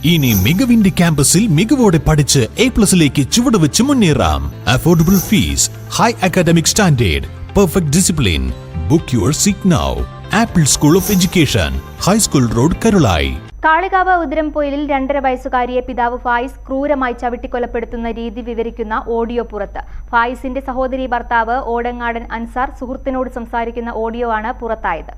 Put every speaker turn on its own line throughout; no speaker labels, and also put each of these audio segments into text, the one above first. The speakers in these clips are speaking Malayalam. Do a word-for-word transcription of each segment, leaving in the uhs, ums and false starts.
ഇനി മികവിന്റെ ക്യാമ്പസിൽ മികവോടെ പഠിച്ച് എ പ്ലസിലേക്ക് ചുവടുവെച്ച് മുന്നേറാം. Affordable fees, high academic standard, perfect discipline. Book your seat now. Apple School of Education, high school road, Karulai.
Kalikavu ഉതിരംപൊയിലിൽ രണ്ടര വയസ്സുകാരിയെ പിതാവ് ഫായിസ് ക്രൂരമായി ചവിട്ടിക്കൊലപ്പെടുത്തുന്ന രീതി വിവരിക്കുന്ന ഓഡിയോ പുറത്ത്. ഫായിസിന്റെ സഹോദരി ഭർത്താവ് ഓടങ്ങാടൻ അൻസാർ സുഹൃത്തിനോട് സംസാരിക്കുന്ന ഓഡിയോ ആണ് പുറത്തായത്.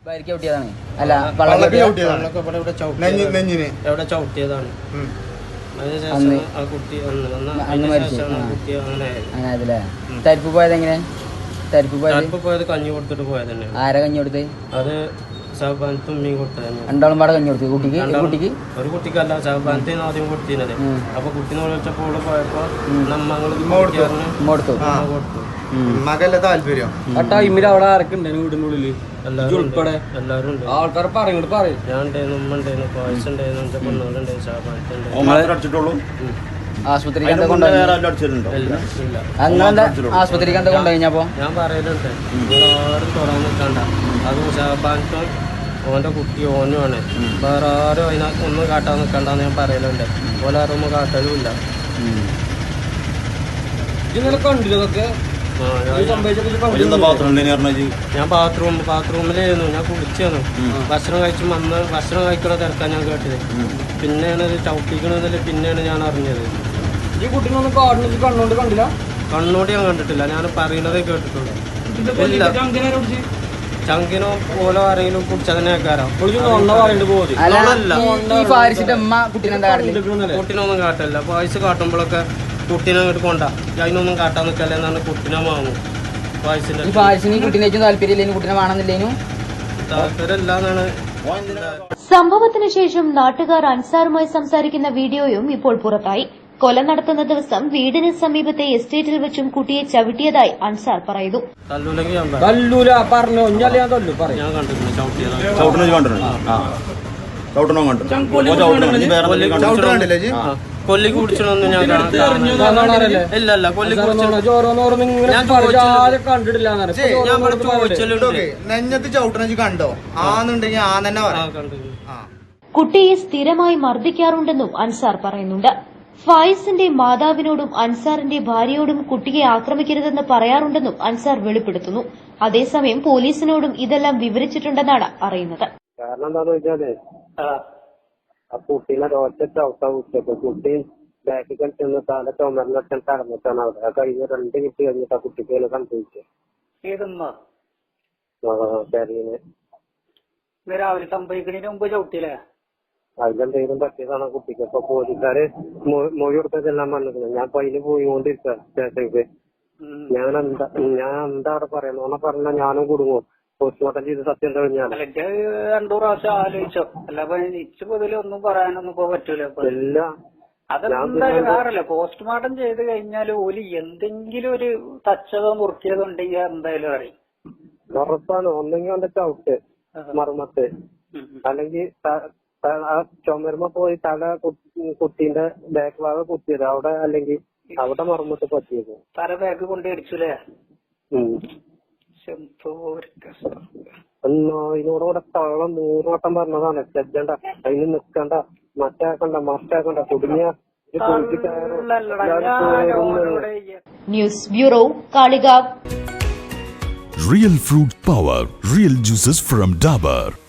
തരിപ്പ് പോയത് എങ്ങനെ? തരിപ്പ്
പോയത് കഞ്ഞി കൊടുത്തിട്ട് പോയത് തന്നെ.
ആരാ കഞ്ഞി കൊടുത്ത്? അത്
തുമ്മിയും കൊടുത്തത്.
രണ്ടാളും പാടെ കഞ്ഞി കൊടുത്തു കുട്ടിക്ക്? കുട്ടിക്ക്
ഒരു കുട്ടിക്കല്ല, ശവബാനത്തിന് ആദ്യം കൊടുത്തിരുന്നത്. അപ്പൊ കുട്ടീനെ വിളിച്ചപ്പോൾ പോയപ്പോ നമ്മളും
കൊടുത്തു.
മകല്ല താല്പര്യം.
ആ ടൈമിൽ അവിടെ ആരൊക്കെ വീടിനുള്ളില് ഉൾപ്പെടെ
എല്ലാവരും ഉണ്ട്.
ആൾക്കാർ പറയും പറയും
ഞാൻ ഉണ്ടായിരുന്നു, ഉമ്മ ഉണ്ടായിരുന്നു, പായസം ഉണ്ടായിരുന്നു, പെണ്ണുങ്ങളുണ്ടായിരുന്നു, ശവബാനത്തുണ്ടായിരുന്നു.
ആശുപത്രി ആശുപത്രിക്ക് എന്താ കൊണ്ടുകഴിഞ്ഞപ്പോ ഞാൻ
പറയലുണ്ട്, ആരും തുറന്നു നിൽക്കണ്ട, അത് ശവബാനത്തും ഓന്റെ കുട്ടി ഓനുമാണ്, വേറെ ആരും അതിനകത്ത് ഒന്നും കാട്ടാൻ നിൽക്കണ്ടെന്ന് ഞാൻ പറയലുണ്ട്. ഓലെ ആരൊന്നും കാട്ടലും ഇല്ല.
ഇന്നലെ കണ്ടില്ലതൊക്കെ?
ഞാൻ ബാത്റൂം ബാത്റൂമിലായിരുന്നു, ഞാൻ കുളിച്ചായിരുന്നു. ഭക്ഷണം കഴിച്ച് വന്ന് ഭക്ഷണം കഴിക്കണ തിരക്കാൻ ഞാൻ കേട്ടത്. പിന്നെയാണ് ഇത് ചവിട്ടിക്കണെന്നില്ല, പിന്നെയാണ് ഞാൻ അറിഞ്ഞത്.
ഈ കുട്ടീനൊന്നും കാടിന് കണ്ണോണ്ട് കണ്ടില്ല?
കണ്ണോട് ഞാൻ കണ്ടിട്ടില്ല, ഞാൻ പറയുന്നതേ കേട്ടിട്ടുള്ളൂ. ചങ്കിനോ ഓലോ ആരെങ്കിലും കുടിച്ചതിനെ കുട്ടീനൊന്നും കാട്ടില്ല. പായസ് കാട്ടുമ്പോഴൊക്കെ കുട്ടീനെ അങ്ങോട്ട് കൊണ്ട അതിനൊന്നും കാട്ടാൻ നിൽക്കല്ലേ എന്നാണ് കുട്ടീനെ വാങ്ങും. താല്പര്യമില്ലാന്നാണ്.
സംഭവത്തിന് ശേഷം നാട്ടുകാർ അൻസാറുമായി സംസാരിക്കുന്ന വീഡിയോയും ഇപ്പോൾ പുറത്തായി. കൊല നടത്തുന്ന ദിവസം വീടിന് സമീപത്തെ എസ്റ്റേറ്റിൽ വെച്ചും കുട്ടിയെ ചവിട്ടിയതായി അൻസാർ പറയുന്നു.
കൊല്ലി കുടിച്ചൊന്നും ഞാൻ ഇല്ലല്ല കൊല്ലി
നെഞ്ഞത്ത് ചവിട്ടണ കണ്ടോ? ആന്നുണ്ടെങ്കിൽ ആ തന്നെ
കുട്ടിയെ സ്ഥിരമായി മർദ്ദിക്കാറുണ്ടെന്നും അൻസാർ പറയുന്നുണ്ട്. ഫായിസിന്റെ മാതാവിനോടും അൻസാറിന്റെ ഭാര്യയോടും കുട്ടിയെ ആക്രമിക്കരുതെന്ന് പറയാറുണ്ടെന്നും അൻസാർ വെളിപ്പെടുത്തുന്നു. അതേസമയം പോലീസിനോടും ഇതെല്ലാം വിവരിച്ചിട്ടുണ്ടെന്നാണ് അറിയുന്നത്.
കാരണം എന്താന്ന് വെച്ചാല് ആ കുട്ടീനെ ഒറ്റ ചവിട്ടാ കുട്ടിയപ്പോ കുട്ടി ബാക്കിൽ കളിച്ചെന്ന് തല ചുമരിനൊക്കെ കടന്നിട്ടാണ് അവിടെ. കഴിഞ്ഞ രണ്ട് കിട്ടി കഴിഞ്ഞിട്ട് ആ കുട്ടിക്ക് സംഭവിച്ചത്.
രാവിലെ സംഭവിക്കുന്നതിന് മുമ്പ് ചവിട്ടിയില്ലേ?
അതിലെന്തെങ്കിലും പറ്റിയതാണ് കുട്ടിക്ക്. അപ്പൊ പോലീസുകാര് മൊഴി കൊടുത്തതെല്ലാം വന്നിട്ടുണ്ട്. ഞാൻ പയ്യന് പോയിക്കൊണ്ടിരിക്കുക സ്റ്റേഷനിലേക്ക്. ഞാൻ എന്താ ഞാൻ എന്താ അവിടെ പറയുന്ന പറഞ്ഞാൽ ഞാനും കുടുങ്ങും. പോസ്റ്റ്മോർട്ടം ചെയ്ത് സത്യം കഴിഞ്ഞാൽ
രണ്ടു പ്രാവശ്യം ആലോചിച്ചോ? അല്ല ഇച്ചു പൊതുവെ ഒന്നും പറയാനൊന്നും ഇപ്പൊ പറ്റൂല. അതെന്തായാലും വേറല്ല, പോസ്റ്റ്മോർട്ടം ചെയ്ത് കഴിഞ്ഞാൽ ഓല് എന്തെങ്കിലും ഒരു തച്ചതോ മുറുക്കിയതോ ഉണ്ടെങ്കിൽ എന്തായാലും അറിയും.
ഉറപ്പാണ്. ഒന്നെങ്കിൽ അവന്റെ ചവിട്ട് മർമ്മത്ത്, അല്ലെങ്കിൽ ആ ചുമരുമ്പോ പോയി തല കുട്ടീന്റെ ബാക്ക് ഭാഗം കുത്തിയത് അവിടെ, അല്ലെങ്കിൽ അവിടെ മർമ്മത്ത് പറ്റിയത്.
തല ബാക്ക് കൊണ്ട് അടിച്ചുല്ലേ?
ഇതിനോടുകൂടെ തവളം നൂറോട്ടം പറഞ്ഞതാണ്. ചെല്ലണ്ട, അതിന് നിക്കണ്ട, മറ്റാക്കണ്ട മറ്റാക്കണ്ട കുടുങ്ങിയ
news bureau, Kalikavu.
Real fruit power, real juices from Dabur.